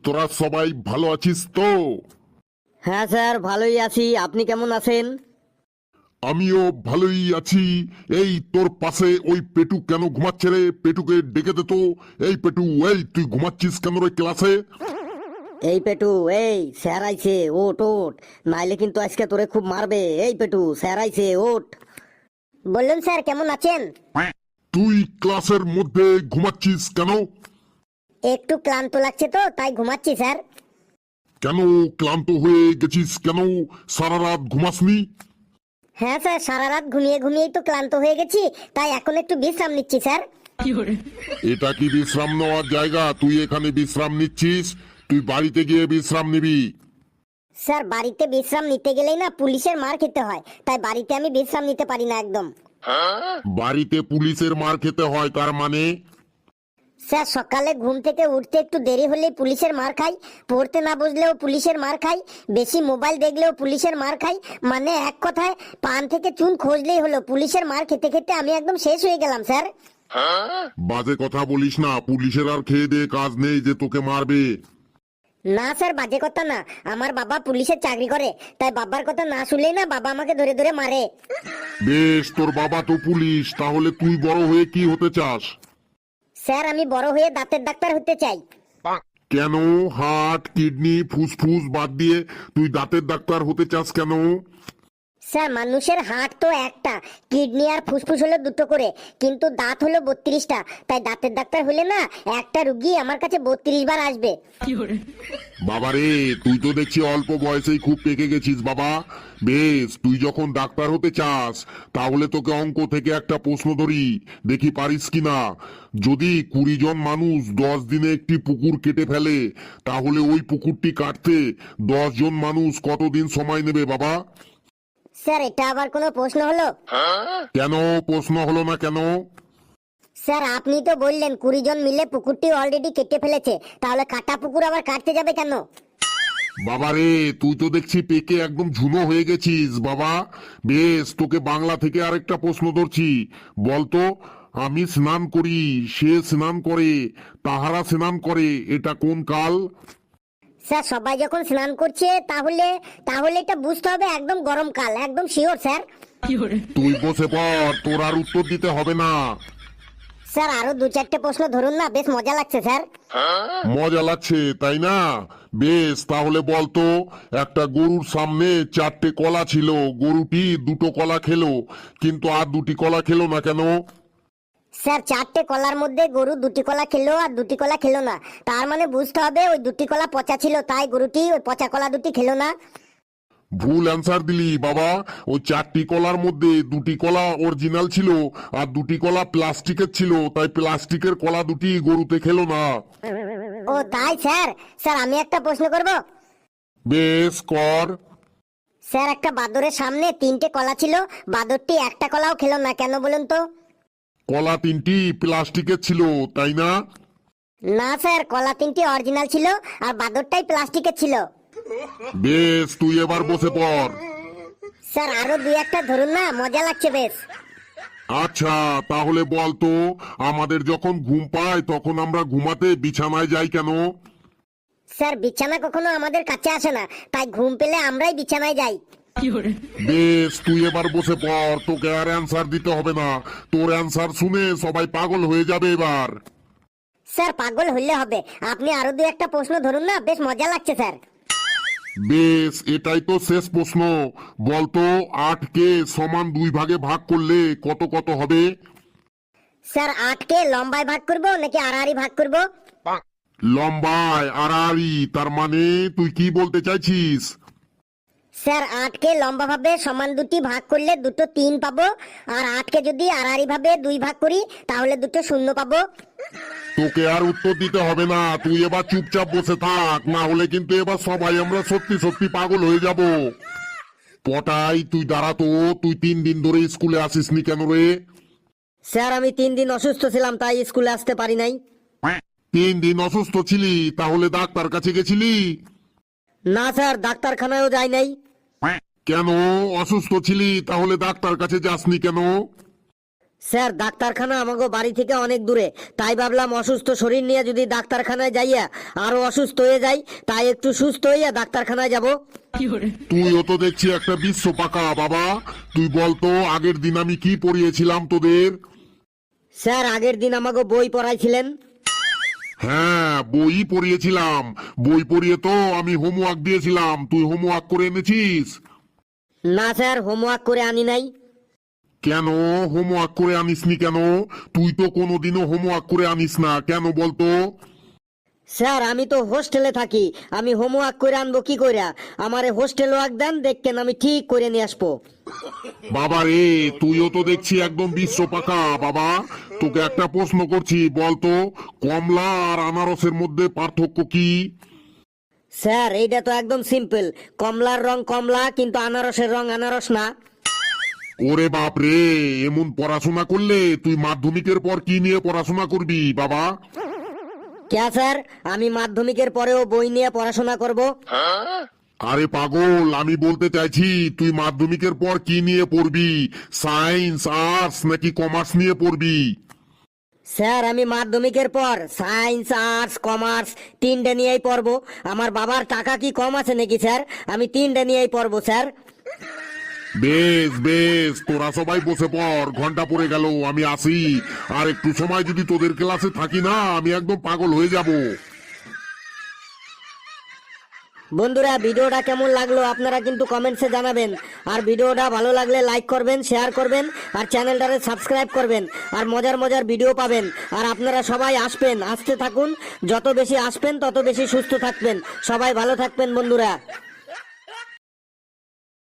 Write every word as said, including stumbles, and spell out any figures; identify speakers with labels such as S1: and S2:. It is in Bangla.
S1: তোরা সবাই ভালো আছিস তো?
S2: হ্যাঁ স্যার, ভালোই আছি। আপনি কেমন আছেন?
S1: আমিও ভালোই আছি। এই তোর পাশে ওই পেটু কেন ঘুমাচ্ছে রে? পেটুকে ডেকে দে তো। এই পেটু, এই তুই ঘুমাচ্ছিস কেন রে ক্লাসে?
S2: এই পেটু, এই স্যার আইছে, ওঠ ওঠ, নাইলে কিন্তু আজকে তোরে খুব মারবে। এই পেটু, স্যার আইছে, ওঠ। বলুন স্যার, কেমন আছেন?
S1: তুই ক্লাসের মধ্যে ঘুমাচ্ছিস কেন?
S2: একটু ক্লান্ত লাগছে তো, তাই ঘুমাচ্ছি স্যার।
S1: কেন ক্লান্ত হয়ে গেছিস কেন? সারা রাত ঘুমাসনি?
S2: হ্যাঁ স্যার, সারা রাত ঘুমিয়ে ঘুমিয়েই তো ক্লান্ত হয়ে গেছি, তাই এখন একটু বিশ্রাম নিচ্ছি স্যার।
S1: এটা কি বিশ্রাম নেওয়ার জায়গা? তুই এখানে বিশ্রাম নিচ্ছিস? তুই বাড়িতে গিয়ে বিশ্রাম নিবি।
S2: স্যার, বাড়িতে বিশ্রাম নিতে গেলেই না পুলিশের মার খেতে হয়, তাই বাড়িতে আমি বিশ্রাম নিতে পারি না একদম।
S1: বাড়িতে পুলিশের মার খেতে হয় তার মানে?
S2: স্যার, সকালে ঘুম থেকে উঠতে একটু দেরি হলেই পুলিশের মার খাই, পড়তে না বুঝলেও পুলিশের মার খাই, বেশি মোবাইল দেখলেও পুলিশের মার খাই। মানে এক কথায় পান থেকে চুন খোঁজলেই হলো, পুলিশের মার খেতে খেতে আমি একদম শেষ হয়ে গেলাম স্যার।
S1: বাজে কথা বলিস না। পুলিশের আর খেয়ে দিয়ে কাজ নেই যে তোকে মারবে।
S2: না স্যার, বাজে কথা না। আমার বাবা পুলিশের চাকরি করে, তাই বাবার কথা না শুনলেই না বাবা আমাকে ধরে ধরে মারে।
S1: বেশ, তোর বাবা তো পুলিশ, তাহলে তুই বড় হয়ে কি হতে চাস?
S2: স্যার, আমি বড় হয়ে দাঁতের ডাক্তার হতে চাই।
S1: কেন? হার্ট, কিডনি, ফুসফুস বাদ দিয়ে তুই দাঁতের ডাক্তার হতে চাস কেন?
S2: স্যার, মানুষের হার্ট তো একটা, কিডনি আর ফুসফুস হলো দুটো করে, কিন্তু দাঁত হলো বত্রিশটা, তাই দাঁতের ডাক্তার হলে না একটা রুগী আমার কাছে বত্রিশ বার আসবে।
S1: বাবারে, তুই তো দেখছি অল্প বয়সেই খুব পেকে গেছিস বাবা। বেশ, তুই যখন ডাক্তার হতে চাস তাহলে তোকে অঙ্ক থেকে একটা প্রশ্ন ধরি, দেখি পারিস কিনা। যদি কুড়ি জন মানুষ দশ দিনে একটি পুকুর কেটে ফেলে, তাহলে ওই পুকুরটি কাটতে দশ জন মানুষ কতদিন সময় নেবে বাবা?
S2: স্যার, এটা আবার কোনো প্রশ্ন হলো?
S1: কেন প্রশ্ন হলো না কেন?
S2: স্যার, আপনি তো বললেন কুড়ি জন মিলে পুকুরটি অলরেডি কেটে ফেলেছে, তাহলে কাটা পুকুর আবার কাটতে যাবে কেন?
S1: বাবারে, তুই তো দেখছি পেকে একদম ঝুনো হয়ে গেছিস বাবা। বেশ, তোকে বাংলা থেকে আরেকটা প্রশ্ন ধরছি, বলতো। আমি স্নান করি, সে স্নান করে, তাহারা স্নান করে, এটা কোন কাল?
S2: স্যার, সবাই যখন স্নান করছে তাহলে তাহলে এটা বুঝতে হবে একদম গরমকাল, একদম শিওর স্যার।
S1: তুই বসে পড়, তোর আর উত্তর দিতে হবে না।
S2: স্যার, আরো দু চারটে প্রশ্ন ধরুন না, বেশ মজা লাগছে স্যার।
S1: মজা লাগছে তাই না? বেশ, তাহলে বলতো, একটা গরুর সামনে চারটে কলা ছিল, গরুটি দুটো কলা খেলো, কিন্তু আর দুটি কলা খেলো না কেন?
S2: স্যার, চারটে কলার মধ্যে গরু দুটি কলা খেলো আর দুটি কলা খেলো না, তার মানে বুঝতে হবে ওই দুটি কলা পচা ছিল, তাই গরুটি ওই পচা কলা দুটি খেলো না।
S1: ভুল অ্যান্সার দিলি বাবা। ওই চারটি কলার মধ্যে দুটি কলা অরিজিনাল ছিল আর দুটি কলা প্লাস্টিকের ছিল, তাই প্লাস্টিকের কলা দুটি গরুতে খেলো না।
S2: ও তাই স্যার। স্যার, আমি একটা প্রশ্ন করব?
S1: বেশ, কর।
S2: স্যার, একটা বাদরের সামনে তিনটে কলা ছিল, বাদরটি একটা কলাও খেলো না, কেন বলুন তো?
S1: কলা তিনটি প্লাস্টিকের ছিল, তাই না?
S2: না স্যার, কলা তিনটি অরিজিনাল ছিল আর বাদরটাই প্লাস্টিকের ছিল।
S1: বেশ, তুই এবার বসে পড়।
S2: স্যার, আরো দুই একটা ধরুন না, মজা লাগছে বেশ।
S1: আচ্ছা, তাহলে বলতো, আমাদের যখন ঘুম পায় তখন আমরা ঘুমাতে বিছানায় যাই কেন?
S2: স্যার, বিছানা কখনো আমাদের কাছে আসে না, তাই ঘুম পেলে আমরাই বিছানায় যাই।
S1: বেশ, তুই এবার বসে পড়, তোকে আর অ্যান্সার দিতে হবে না। তোর অ্যান্সার শুনে সবাই পাগল হয়ে যাবে এবার।
S2: স্যার, পাগল হইলে হবে, আপনি আরো দুই একটা প্রশ্ন ধরুন না, বেশ মজা লাগছে স্যার।
S1: বেশ, এটাই তো শেষ প্রশ্ন। বলতো, আটকে সমান দুই ভাগে ভাগ করলে কত কত হবে?
S2: স্যার, আটকে লম্বায় ভাগ করব নাকি আড়াআড়ি ভাগ করব?
S1: লম্বায় আড়াআড়ি, তার মানে তুই কি বলতে চাইছিস?
S2: স্যার, আটকে লম্বা ভাবে সমান দুটি ভাগ করলে দুটো তিন পাবো, আর আটকে যদি আড়াআড়ি ভাবে দুই ভাগ করি তাহলে দুটো শূন্য পাবো।
S1: তোকে আর উত্তর দিতে হবে না, তুই এবার চুপচাপ বসে থাক, না হলে কিন্তু এবার সবাই আমরা সত্যি সত্যি পাগল হয়ে যাব। পটাই, তুই দাঁড়া তো। তুই তিন দিন ধরে স্কুলে আসিসনি কেন রে?
S2: স্যার, আমি তিন দিন অসুস্থ ছিলাম, তাই স্কুলে আসতে পারি নাই।
S1: তিন দিন অসুস্থ ছিলি, তাহলে ডাক্তার কাছে গেছিলি?
S2: না স্যার, ডাক্তারখানায়ও যাই নাই।
S1: কেন? অসুস্থ ছিলি, তাহলে ডাক্তার কাছে যাসনি কেন?
S3: স্যার ডাক্তারখানা আমাকে বাড়ি থেকে অনেক দূরে, তাই ভাবলাম অসুস্থ শরীর নিয়ে যদি ডাক্তারখানায় যাইয়া আরো অসুস্থ হয়ে যাই, তাই একটু সুস্থ হইয়া ডাক্তারখানায় যাব।
S1: তুইও তো দেখছি একটা বিশ্ব পাকা বাবা। তুই বলতো আগের দিন আমি কি পড়িয়েছিলাম তোদের?
S3: স্যার আগের দিন আমাকে বই পড়াইছিলেন।
S1: হ্যাঁ, বই পড়িয়েছিলাম। বই পড়িয়ে তো আমি হোমওয়ার্ক দিয়েছিলাম, তুই হোমওয়ার্ক করে এনেছিস?
S3: না স্যার, হোমওয়ার্ক করে আনি নাই।
S1: কেন হোমওয়ার্ক করে আনিসনি কেন? তুই তো কোনোদিনও হোমওয়ার্ক করে আনিস না, কেন বলতো?
S3: স্যার আমি তো হোস্টেলে থাকি, আমি হোমওয়ার্ক করে আনবো কি কইরা? আমারে হোস্টেল ওয়ার্ক দেন, দেখেন আমি ঠিক করে নিয়ে আসবো।
S1: বাবা রে, তুইও তো দেখছি একদম বিশ্ব পাকা বাবা। তোকে একটা প্রশ্ন করছি, বলতো কমলা আর আনারসের মধ্যে পার্থক্য কি?
S3: স্যার এইটা তো একদম সিম্পল, কমলার রং কমলা কিন্তু আনারসের রং আনারস না।
S1: ওরে বাপ রে, এমন পড়াশোনা করলে তুই মাধ্যমিকের পর কি নিয়ে পড়াশোনা করবি বাবা?
S3: কে স্যার, আমি মাধ্যমিকের পরেও বই নিয়ে পড়াশোনা করব?
S1: আরে পাগল, আমি বলতে চাইছি তুই মাধ্যমিকের পর কি নিয়ে পড়বি? সায়েন্স, আর্টস নাকি কমার্স নিয়ে পড়বি?
S3: স্যার আমি মাধ্যমিকের পর সায়েন্স আর্টস কমার্স তিনটে নিয়েই পড়বো। আমার বাবার টাকা কি কম আছে নাকি স্যার? আমি তিনটে নিয়েই পড়বো স্যার।
S1: বেশ বেশ, তোরা সবাই বসে পড়, ঘন্টা পড়ে গেল, আমি আসি। আর একটু সময় যদি তোদের ক্লাসে থাকি না, আমি একদম পাগল হয়ে যাব।
S3: বন্ধুরা ভিডিওটা কেমন লাগলো আপনারা কিন্তু কমেন্টসে জানাবেন। আর ভিডিওটা ভালো লাগলে লাইক করবেন, শেয়ার করবেন, আর চ্যানেলটারে সাবস্ক্রাইব করবেন। আর মজার মজার ভিডিও পাবেন। আর আপনারা সবাই আসবেন, আসতে থাকুন, যত বেশি আসবেন তত বেশি সুস্থ থাকবেন। সবাই ভালো থাকবেন বন্ধুরা।